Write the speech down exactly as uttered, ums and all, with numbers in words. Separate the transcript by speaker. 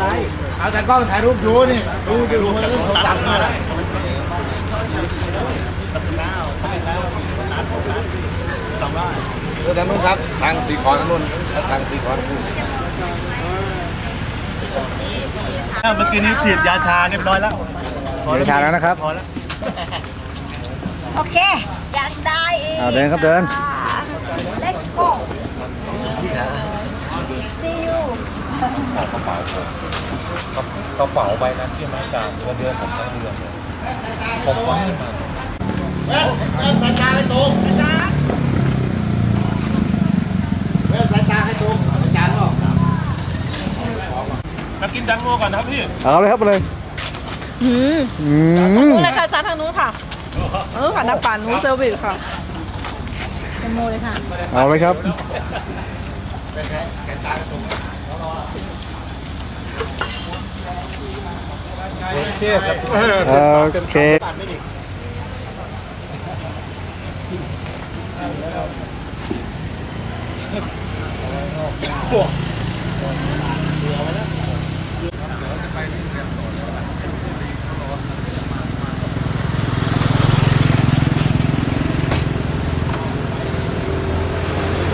Speaker 1: ไรเอาแต่กล้องถ่ายรูปดูนี่ดูดูดูมันเรื่องของตังค์มาเออทางนู้นครับทางสีขอทางนู้นทางสีขอทางนู้น
Speaker 2: เมื่อกี้นี้ฉีดยาชาเรียบร้อยแล้ว
Speaker 3: ยาชาแล้วนะครับ
Speaker 2: พอแล้ว
Speaker 4: โอเคอยากได้อีก
Speaker 3: เอาเดินครับเดิน
Speaker 4: let's go see you
Speaker 5: กระเป๋าผมกระเป๋าใบนั้นที่มาจากเดือนเดือนผมทั้งเดือนเลยผมก็ให้มา
Speaker 1: เว้ยสายตาให้ตรงเว้ยสายตาให้ตรงอาจารย์บอก
Speaker 5: มากินดังโง่ก่อนนะครับพี่
Speaker 3: เอาเลยครับไปเลย
Speaker 6: อืม
Speaker 3: อืม
Speaker 6: นู้นเลยค่ะจานทางนู้นค่ะเออค่ะน้ำปั่นนู้นเซอร์วิสค่ะเป็นโมเลยค่ะ
Speaker 3: เอาเลยครับ
Speaker 5: โอเคครับ
Speaker 3: โอเค